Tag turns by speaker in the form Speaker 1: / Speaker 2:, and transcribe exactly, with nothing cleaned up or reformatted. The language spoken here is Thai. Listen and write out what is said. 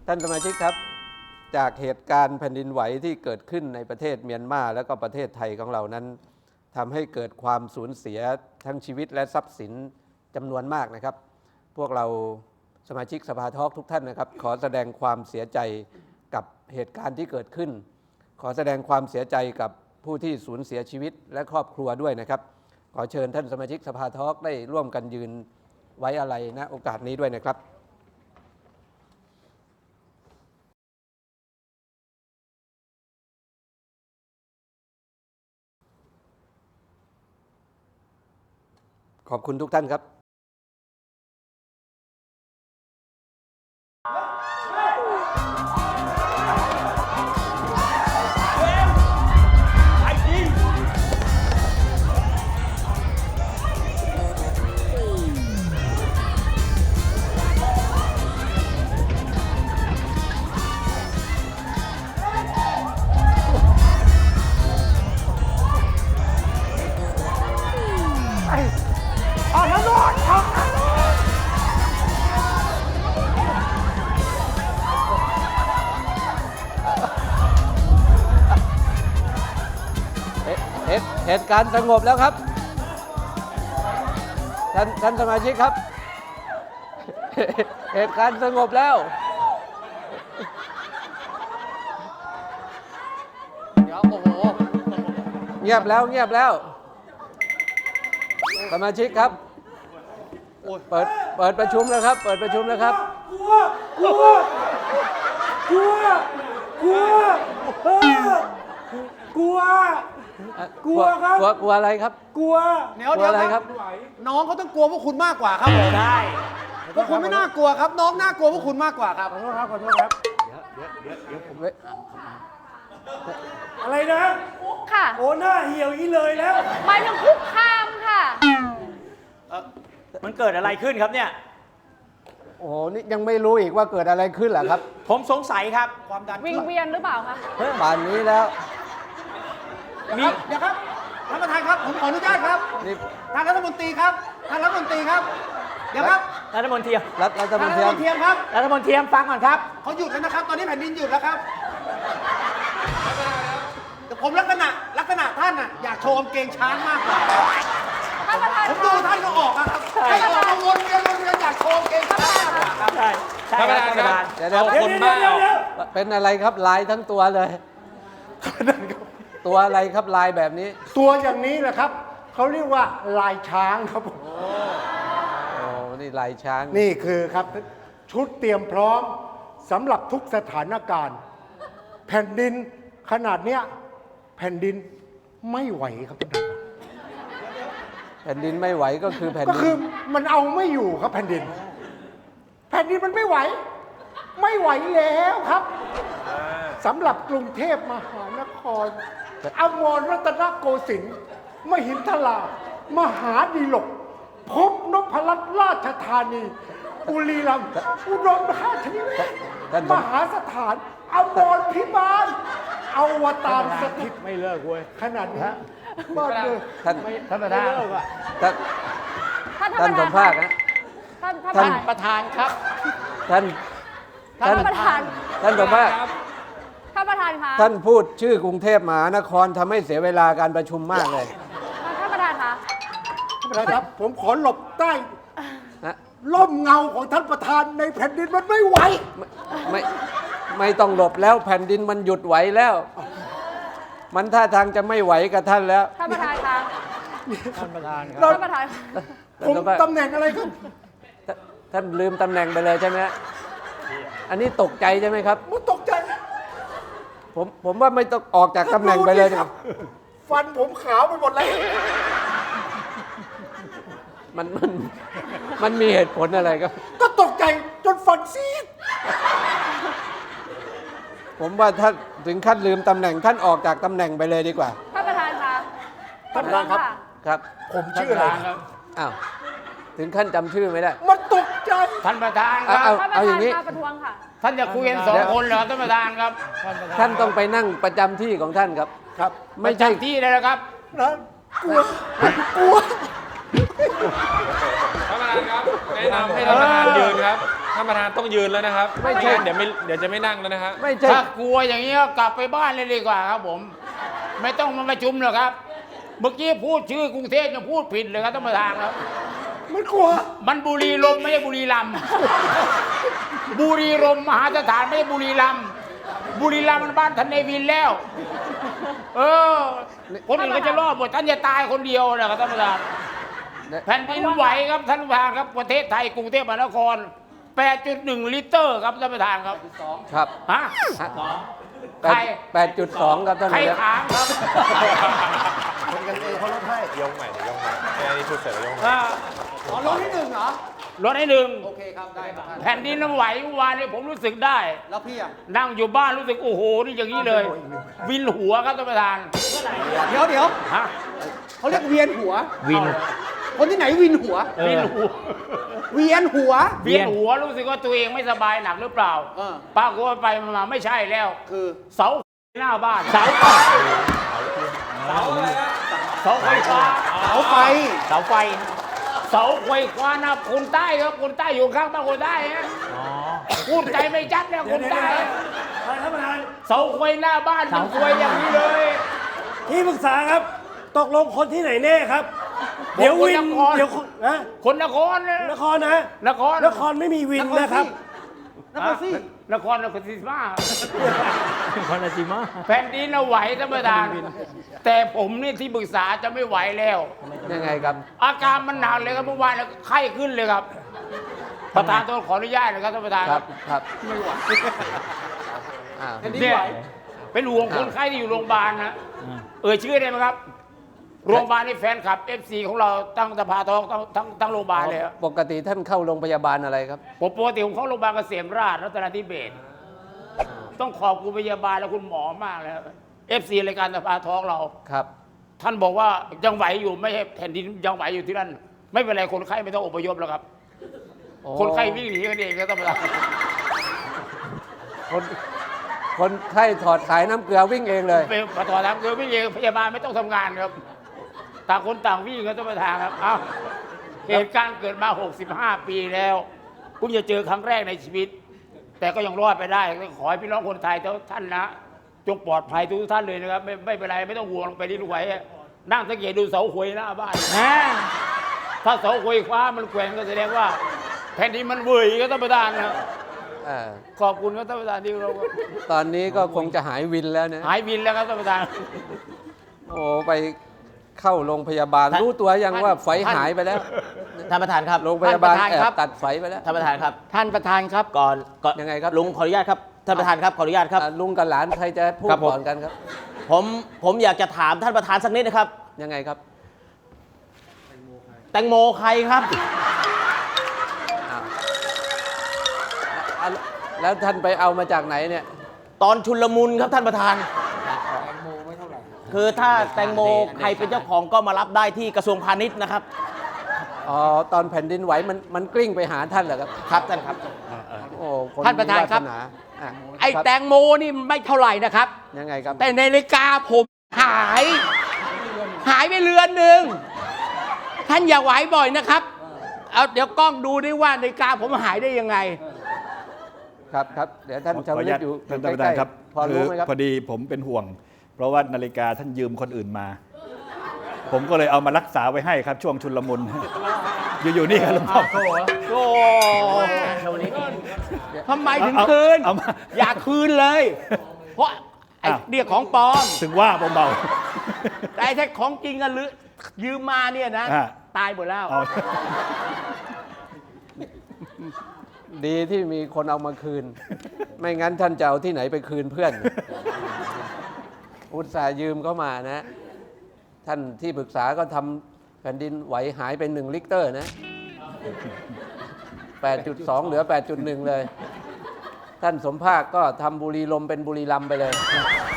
Speaker 1: ท่านสมาชิกครับจากเหตุการณ์แผ่นดินไหวที่เกิดขึ้นในประเทศเมียนมาและก็ประเทศไทยของเรานั้นทำให้เกิดความสูญเสียทั้งชีวิตและทรัพย์สินจำนวนมากนะครับพวกเราสมาชิกสภาทอล์กทุกท่านนะครับขอแสดงความเสียใจกับเหตุการณ์ที่เกิดขึ้นขอแสดงความเสียใจกับผู้ที่สูญเสียชีวิตและครอบครัวด้วยนะครับขอเชิญท่านสมาชิกสภาทอล์กได้ร่วมกันยืนไว้อาลัยณโอกาสนี้ด้วยนะครับขอบคุณทุกท่านครับเหตุการณ์สงบแล้วครับท่านท่านสมาชิกครับเหตุการณ์สงบแล้วเดี๋ยวโอ้โหเงียบแล้วเงียบแล้วสมาชิกครับเปิดเปิดประชุมแล้วครับเปิดประชุมแล้วครับ
Speaker 2: กลัวกลัวกลัวกลัวกลัวกลัวครับ
Speaker 1: กลัวกลัวอะไรครับ
Speaker 2: กลัว
Speaker 3: เดี๋ยวเดี๋ยวครับน้องเขาต้องกลัวพวกคุณมากกว่าครับผมใช่พวกคุณไม่น่ากลัวครับน้องน่ากลัวพวกคุณมากกว่าครับ
Speaker 2: ขอโทษครับขอโทษครับเดี๋ยวเดี๋ยวเดี๋ยวเดี๋ยวผมอะไรนะ
Speaker 4: คุกค่ะ
Speaker 2: โอ้หน้าเหี่ยวอีเลยแล้ว
Speaker 4: หมายถึงคุกคามค่ะ
Speaker 5: มันเกิดอะไรขึ้นครับเนี่ย
Speaker 1: โอ้โหนี่ยังไม่รู้อีกว่าเกิดอะไรขึ้นเหรอครับ
Speaker 5: ผมสงสัยครับ
Speaker 3: ความดัน
Speaker 4: วิงเวียนหรือเปล่าคะ
Speaker 1: ป่านนี้แล้ว
Speaker 3: มีเดี๋ยวครับท่านประธานครับผมขออนุญาตครับท่านรัฐมนตรีครับท่านรัฐมนตรีครับเดี๋ยวครับ
Speaker 5: รัฐมนตรี
Speaker 1: รัฐรัฐมนตรี
Speaker 3: ครับ
Speaker 5: รัฐมนตรีฟังก่อนครับ
Speaker 3: เขาหยุดแล้วนะครับตอนนี้แผ่นดินหยุดแล้วครับแต่ผมลักษณะลักษณะท่านน่ะอยากโชว์กางเกงช้างมากกว่า
Speaker 4: ท่านประธาน
Speaker 3: ผมดูท่านก็ออกครับให้ออกมาวนเวียนวนเวียนอยากโชว์กางเกงช้างมากกว่าครับ
Speaker 5: ใช่ใช่ครับท่านประธาน
Speaker 1: เดี๋ยวเดี๋ยวคนบ้าเป็นอะไรครับลายทั้งตัวเลยตัวอะไรครับลายแบบนี้
Speaker 2: ตัวอย่างนี้แหละครับเขาเรียกว่าลายช้างครับโอ้
Speaker 1: โอ้นี่ลายช้าง
Speaker 2: นี่คือครับชุดเตรียมพร้อมสำหรับทุกสถานการณ์แผ่นดินขนาดเนี้ยแผ่นดินไม่ไหวครับท่านประธาน
Speaker 1: แผ่นดินไม่ไหวก็คือแผ่นดิน
Speaker 2: ก็คือมันเอาไม่อยู่ครับแผ่นดินแผ่นดินมันไม่ไหวไม่ไหวแล้วครับสำหรับกรุงเทพมหานครอมรรัตนโกสินทร์มหินทรามหาดีลกพบนพรัตน์ราชธานีบุรีรัมย์อุดรธานีมหาสถานอมรพิบาลอวตารสถิต
Speaker 5: ไม่เลิกเว้ย
Speaker 2: ขนาดนี้บ้านเลย
Speaker 1: ท่าน
Speaker 5: ท่านประธาน
Speaker 1: ท่านท่านสมภาคนะ
Speaker 4: ท่าน
Speaker 5: ท่านประธานครับ
Speaker 1: ท่าน
Speaker 4: ท่านประธาน
Speaker 1: ท่านสมภาค
Speaker 4: ท่านประธานคะ
Speaker 1: ท่านพูดชื่อกรุงเทพมหานครทำให้เสียเวลาการประชุมมากเลย
Speaker 4: ท่านประธานคะ
Speaker 2: ท่านประธานครับผมขอหลบใต้ร่มเงาของท่านประธานในแผ่นดินมันไม่ไหว
Speaker 1: ไม่ไม่ต้องหลบแล้วแผ่นดินมันหยุดไหวแล้วมันท่าทางจะไม่ไหวกับท่านแล้ว
Speaker 4: ท่านประธานคะ
Speaker 5: ท่านประธานครับ
Speaker 4: ท่านประธาน
Speaker 2: ผมตำแหน่งอะไรครับ
Speaker 1: ท่านลืมตำแหน่งไปเลยใช่ไหมอันนี้ตกใจใช่ไหมครับ
Speaker 2: ผมตกใจ
Speaker 1: ผมผมว่าไม่ต้องออกจากตำแหน่งไปเลยครับ
Speaker 2: ฟันผมขาวไปหมดเลย
Speaker 1: มันมันมันมีเหตุผลอะไรครับ
Speaker 2: ก็ตกใจจนฟันซีด
Speaker 1: ผมว่าท่านถึงขั้นลืมตำแหน่งท่านออกจากตำแหน่งไปเลยดีกว่า
Speaker 4: ท่านประธานคะ
Speaker 2: ท่านประธานครับ
Speaker 1: ครับ
Speaker 2: ผมชื่ออะไรครับ
Speaker 1: อ้าวถึงขั้นจำชื่อไม่ได้
Speaker 2: มันตกใจ
Speaker 5: ท่านประธานครับ
Speaker 1: เอาเอาอย่างนี้
Speaker 4: ประท้วงค่ะ
Speaker 5: ท่านจะคุยกันสองคนเหรอท่านประธานครับ
Speaker 1: ท่านต้องไปนั่งประจำที่ของท่านครับ
Speaker 2: ครับ
Speaker 1: ไม่ใช่
Speaker 5: ที่เลยนะครับ
Speaker 2: นะกลัวกลัว
Speaker 6: ท่านประธานครับแนะนำให้ท่านประธานยืนครับท่านประธานต้องยืนแล้วนะครับ
Speaker 1: ไม่ใช่
Speaker 6: งั้นเดี๋ยวไม่เดี๋ยวจะไม่นั่งแล้วนะครับ
Speaker 1: ไม่ใช่
Speaker 5: ถ้ากลัวอย่างนี้ก็กลับไปบ้านเลยดีกว่าครับผม ไม่ต้องมาประชุมหรอกครับ เมื่อกี้พูดชื่อกรุงเทพยังพูดผิดเลยครับท่านประธานครับ
Speaker 2: มันกลัว
Speaker 5: มันบุรีรมย์ไม่ใช่บุรีรัมย์บุรีรมย์มหาสถานไม่ใช่บุรีรัมย์บุรีรัมย์มันบ้านท่านเนวินแล้ว เออ คนอื่นก็จะรอดหมดท่านจะตายคนเดียวนะครับท่านประธาน แผ่นดินไหวครับท่านประธานครับประเทศไทยกรุงเทพมหานคร แปดจุดหนึ่ง ลิตรครับท่านประธานครับ
Speaker 1: ครับ
Speaker 5: ฮะ
Speaker 1: แป
Speaker 5: ใคร
Speaker 1: ดแปดจุดสองครับท่าน
Speaker 5: ใคร
Speaker 1: นายก
Speaker 5: ถามครับ
Speaker 3: คนกันเองเขาลดให้
Speaker 6: ยกใหม่เดี๋ยวยกใหม่ไอ้นี่พูดเสร็จแล้วยกใหม่
Speaker 5: อ่า
Speaker 3: อ๋อลดที่หนึ่งเหรอ
Speaker 5: รถให้หนึ่ง
Speaker 3: โอเคครับ ได้ครับ
Speaker 5: แผ่นดินไหวเมื่อวานนี้ผมรู้สึกได้
Speaker 3: แล้วพี่อ่ะ
Speaker 5: นั่งอยู่บ้านรู้สึกโอ้โหนี่อย่างนี้เลย วินหัวครับท่านประธาน
Speaker 3: เดี๋ยวเดี๋ยว
Speaker 5: ฮะ
Speaker 3: เขาเรียกเวียนหัว
Speaker 5: วิน
Speaker 3: คนที่ไหนวินหัว
Speaker 5: วินหัว
Speaker 3: เวียนหัว
Speaker 5: เวียนหัวรู้สึกว่าตัวเองไม่สบายหนักหรือเปล่า
Speaker 3: เออ
Speaker 5: ปรากฏว่าไปมาไม่ใช่แล้ว
Speaker 3: คือ
Speaker 5: เสาหน้าบ้านเสาไฟเสาอะไรเสาไฟฟ้า
Speaker 3: เสาไฟ
Speaker 5: เสาไฟเสาไฟฟ้านะคนใต้ครับคนใต้อยู่ข้างบ้านคนใต้ฮะพูดใจไม่จัดเนี่ยคนใต้เสาไฟหน้าบ้านมันสวยอย่างนี้เลย
Speaker 7: ที่ปรึกษาครับ ตกลงคนที่ไหนแน่ครับ เดี๋ยววิน
Speaker 5: คนนคร
Speaker 7: เดี๋ยวคนนะ
Speaker 5: คนนครนะ
Speaker 7: นครนะ
Speaker 5: นคร
Speaker 7: นครไม่มีวินนะครับ
Speaker 3: นครซี่
Speaker 5: นครนครศรีธรรมราชนครศรีธรรมราชแผ่นดินน่ะไหวท่านประธานแต่ผมนี่ที่ปรึกษาจะไม่ไหวแล้ว
Speaker 1: ยังไงครับ
Speaker 5: อาการมันหนักเลยครับเมื่อวานเนี่ยไข้ขึ้นเลยครับ ประธานต้องขออนุญาตนะครับท่านประธาน
Speaker 1: ครับครับอ่า
Speaker 5: เนี่ยเป็นห่วงคนไข้ที่อยู่โรงพยาบาลนะเอ่ยชื่อได้ไหมครับ โรงพยาบาลนี่แฟนคลับ เอฟ ซี ของเราตั้งสภาทองทั้งทั้งทั้งโรงพยาบาลเลยครับ
Speaker 1: ปกติท่านเข้าโรงพยาบาลอะไรครับ
Speaker 5: ผมปกติผมเข้าโรงพยาบาลเกษมราชรัตนทิเบศต้องขอบคุณพยาบาลและคุณหมอมากเลยครับ เอฟ ซี รายการสภาท้องเรา
Speaker 1: ครับ
Speaker 5: ท่านบอกว่ายังไหวอยู่ไม่ใช่แผ่นดินยังไหวอยู่ที่นั่นไม่เป็นไรคนไข้ไม่ต้องอพยพแล้วครับ
Speaker 1: โอ้
Speaker 5: คนไข้วิ่งหนีกันเองก็ต้องมา
Speaker 1: คนคนไข้ถอดสายน้ำเกลือวิ่งเองเลย
Speaker 5: ไปมาต่อทางคือวิ่งเองพยาบาลไม่ต้องทำงานครับต่างคนต่างวิ่งก็ต้องมาทางครับเอ้าเหตุการณ์เกิดมาหกสิบห้าปีแล้วเพิ่งจะเจอครั้งแรกในชีวิต แต่ก็ยังรอดไปได้ขอให้พี่น้องคนไทยทุกท่านนะจงปลอดภัยทุกท่านเลยนะครับไม่ไม่เป็นไรไม่ต้องห่วงไปที่ลูกไหวนั่งสังเกตดูเสาหวยหน้าบ้านนะถ้าเสาหวยคว้ามันแกว่งก็แสดงว่าแผ่นดินมันเบื่อก็ต้องประทานนะ
Speaker 1: อ่า
Speaker 5: ขอบคุณครับท่านประธานที่เรา
Speaker 1: ตอนนี้ก็คงจะหายวินแล้วนะ
Speaker 5: หายบินแล้วครับท่านประธาน
Speaker 1: โอ้ไปเข้าโรงพยาบาล รู้ตัวยังว่าไฟหายไปแล้ว
Speaker 8: ท่านประธานครับ
Speaker 1: โรงพยาบาล
Speaker 8: ท่น
Speaker 1: แอ
Speaker 8: ประธนครับ
Speaker 1: บตัดไฟไปแล้ว
Speaker 8: ท่านประธานครับ
Speaker 5: ท่านประธานครับ
Speaker 8: ก่อนก่อน
Speaker 1: ยังไงครับ
Speaker 8: ลุงขออนุญาตครับท่านประธานครับขออนุญาตครับ
Speaker 1: อ่ะลุงกับหลานใครจะพูด
Speaker 8: ครับผม
Speaker 1: ก่อนกันครับ
Speaker 8: ผมผมอยากจะถามท่านประธานสักนิดนะครับ
Speaker 1: ยังไงครับ
Speaker 8: แตงโมใครครับ
Speaker 1: อ้าวอ่ะแล้วท่านไปเอามาจากไหนเนี่ย
Speaker 8: ตอนชุลมุนครับท่านประธานคือถ้าแตงโมใครเป็นเจ้าของก็มารับได้ที่กระทรวงพาณิชย์นะครับ
Speaker 1: อ๋อ ตอนแผ่นดินไหวมันมันกลิ้งไปหาท่านเหรอครับ
Speaker 8: ครับท่านครับ
Speaker 1: โอ้ค
Speaker 9: ท่านประธานครับ
Speaker 1: มีวสอ่ะ
Speaker 9: ไอ้
Speaker 1: ครับ
Speaker 9: แตงโมนี่ไม่เท่าไหร่นะครับ
Speaker 1: ยังไงครับ
Speaker 9: แต่ในนาฬิกาผมหาย หายไปเรือนหนึ่งท่านอย่าไหวบ่อยนะครับ เอาเดี๋ยวกล้องดูดิว่านาฬิกาผมหายได้ยังไง
Speaker 1: ครับครับเดี๋ยวท่าน
Speaker 10: ขอ
Speaker 1: ชาว
Speaker 10: อนุ
Speaker 1: ลิ
Speaker 10: ญา
Speaker 1: ต
Speaker 10: ต
Speaker 1: อยู่
Speaker 10: ท่าน
Speaker 1: ใก
Speaker 10: ประธา
Speaker 1: ล้
Speaker 10: นครับ
Speaker 1: ๆพอรู้ไหมครับ
Speaker 10: พอดีผมเป็นห่วง เพราะว่านาฬิกาท่านยืมคนอื่นมา ผมก็เลยเอามารักษาไว้ให้ครับช่วงชุลมุน อยู่ๆนี่ครับหลวงพ่อ
Speaker 9: โอ้ทำไมถึง
Speaker 10: เอา
Speaker 9: คืน
Speaker 10: เอามา
Speaker 9: อย่าคืนเลย เพราะไอ้
Speaker 10: อ้าว
Speaker 9: เนี่ยของปลอม
Speaker 10: ถึงว่าเบา
Speaker 9: แต่ไอ้ถ้าของจริงอะหรือยืมมาเนี่ยนะ
Speaker 10: อ่า
Speaker 9: ตายหมดแล้ว
Speaker 10: ๆเอา
Speaker 1: ดีที่มีคนเอามาคืน ไม่งั้นท่านจะเอาที่ไหนไปคืนเพื่อน อุตส่าห์ยืมเข้ามานะ ท่านที่ปรึกษาก็ทำแผ่นดินไหวหายไปหนึ่งลิตรนะ แปดจุดสอง เหลือ แปดจุดหนึ่ง เลย ท่านสมภาคก็ทำบุรีลมย์เป็นบุรีรัมย์ไปเลย